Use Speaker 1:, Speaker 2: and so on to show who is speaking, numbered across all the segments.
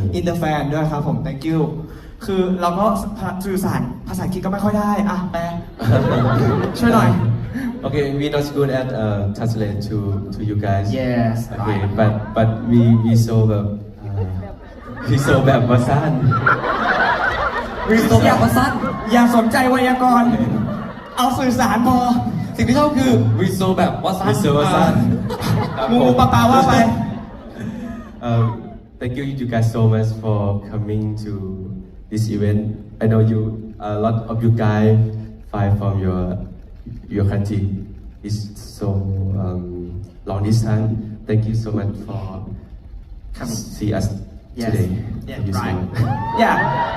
Speaker 1: อินเตอร์แฟนด้วยครับผม thank you คือเราก็สื่อสารภาษาอังกฤษก็ไม่ค่อยได้อ่ะแปล ช่วยหน่อย
Speaker 2: Okay, we're not good at translate to you guys.
Speaker 1: Yes.
Speaker 2: Okay, but we so แบบ we so แบบว่าสั้น
Speaker 3: รีโซอยากว่าสั้น
Speaker 1: อย่าสนใจไวยากรณ์เอาสื่อสารพอ
Speaker 3: สิ่งที่ชอบคือรีโซแบบว่าสั้น
Speaker 2: we so ว่าสั้น
Speaker 1: งูปลาว่าไป
Speaker 2: Thank you guys so much for coming to this event. I know a lot of you guys fly from your country. It's so long distance. Thank you so much for see us today.
Speaker 1: Yeah,
Speaker 2: Thank you so
Speaker 1: right.
Speaker 2: much.
Speaker 1: อย่า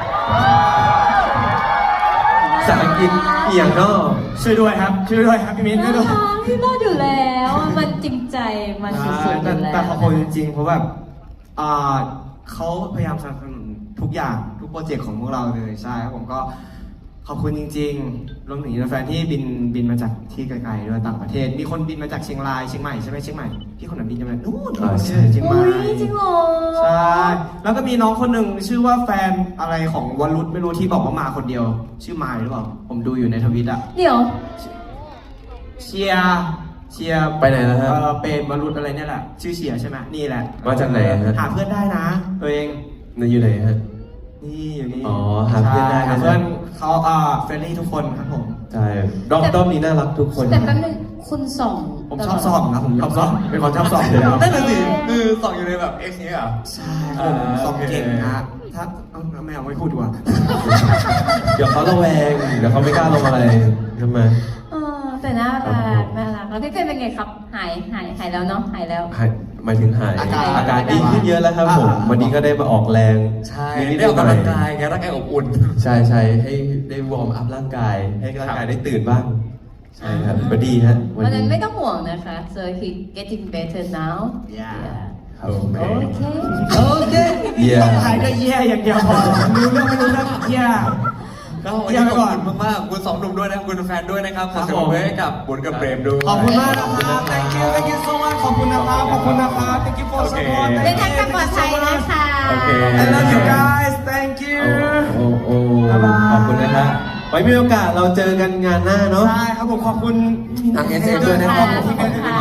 Speaker 2: ภาษาอังกฤษเอียงนอก
Speaker 1: ช่วยด้วยครับช่วยด้วยครับพี่มิ้นช่วยด้วย
Speaker 4: พี่รอดอยู่แล้วมันจริงใจมันสุดๆอยู่แล้ว
Speaker 1: แต่ขอบคุณจริงๆเพราะแบบเขาพยายามสนับสนุนทุกอย่างทุกโปรเจกต์ของพวกเราเลยใช่ครับผมก็ขอบคุณจริงๆรวมถึงแฟนที่บินมาจากที่ไกลๆด้วยต่างประเทศมีคนบินมาจากเชียงรายเชียงใหม่ใช่ไหมเชียงใหม่พี่คนนั้นบินมานู่นเชียงใหม่
Speaker 4: อุ้ยจริงเหรอ
Speaker 1: ใช่แล้วก็มีน้องคนหนึ่งชื่อว่าแฟนอะไรของวรุษไม่รู้ที่บอกว่ามาคนเดียว ชื่อมายหรือเปล่าผมดูอยู่ในทวิตอะ
Speaker 4: เดี๋ยว
Speaker 1: เชียร์
Speaker 2: ไปไหนแล้วครับ
Speaker 1: เป็นวรุษอะไรเนี่ยแหละชื่อเชียร์ใช่ไหมนี่แหละ
Speaker 2: มาจากไหนฮะ
Speaker 1: หาเพื่อนได้นะตัวเอง
Speaker 2: นั่นอยู่ไหนฮะ
Speaker 1: นี่อยู่นี่
Speaker 2: อ๋อหาเพื่อนได้นะ
Speaker 1: หาเพื่อนเขาเฟรนลี่ทุกคนครับผม
Speaker 2: ใช่ด้อมนี้น่ารักทุกคน
Speaker 4: แต่แป๊บนึงคุณส่อง
Speaker 1: ผมชอบสอบนะผมชอบสอบเป็นคนชอบสอบอยู่แล้ว
Speaker 3: นั่นน่ะสิคือส่องอยู่ในแบบ X นี้เหรอ
Speaker 1: ใช่ผมสอบเก่งนะถ้าไม่เอาไม่พูดดีกว่า
Speaker 2: เดี๋ยวเขาระแวง เดี๋ยวเขาไม่กล้าลงอะไรทำไม
Speaker 4: แต่น่ารักแล้วพี่เป็นไงครับหายแล้วเนาะหายแล้ว
Speaker 2: หมายถึงหาย
Speaker 1: อาการ
Speaker 2: ดีขึ้นเยอะแล้วครับผม วันนี้ก็ได้มาออกแรง
Speaker 3: ใช่
Speaker 2: นิดๆ
Speaker 3: ได้ออก
Speaker 2: หน่
Speaker 3: กำ
Speaker 2: อ
Speaker 3: ลั
Speaker 2: ย
Speaker 3: งกายไงร่างกายอบอุ่น
Speaker 2: ใช่ให้ได้วอร์มอัพร่างกาย ให้ร่างกายได้ตื่นบ้าง ใช่ครับก็ดีฮะ
Speaker 4: วันนั้นไม่ต้องห่วงนะคะ so he getting better now
Speaker 1: Yeah
Speaker 2: ครับผม
Speaker 4: โอเค
Speaker 3: โอเค
Speaker 1: ต้องหายก็แย่อย่างเดียวพอรู้เรื่องไม่รู้เรื่องแย่
Speaker 3: ก็วันนี้ขอบคุณมากๆคุณสองหนุ่มด้วยนะคุณแฟนด้วยนะครับขอเสียงปรบมือให้กับบุญกับเปรมด้วย
Speaker 1: ขอบคุณมากนะครับ thank you so much ขอบคุณนะครับขอบคุณนะครับ thank you for support
Speaker 4: เดินทางกลับปลอดภัยนะคะ
Speaker 2: โอเค
Speaker 1: I love you guys thank you
Speaker 2: โอ้
Speaker 1: บ๊ายบาย
Speaker 2: ขอบคุณนะครับ ไว้มีโอกาสเราเจอกันงานหน้าเนาะ
Speaker 1: ใช่ครับผมขอบคุณ
Speaker 2: ทาง SM ด้วยนะครับ
Speaker 4: ขอบคุณค่ะ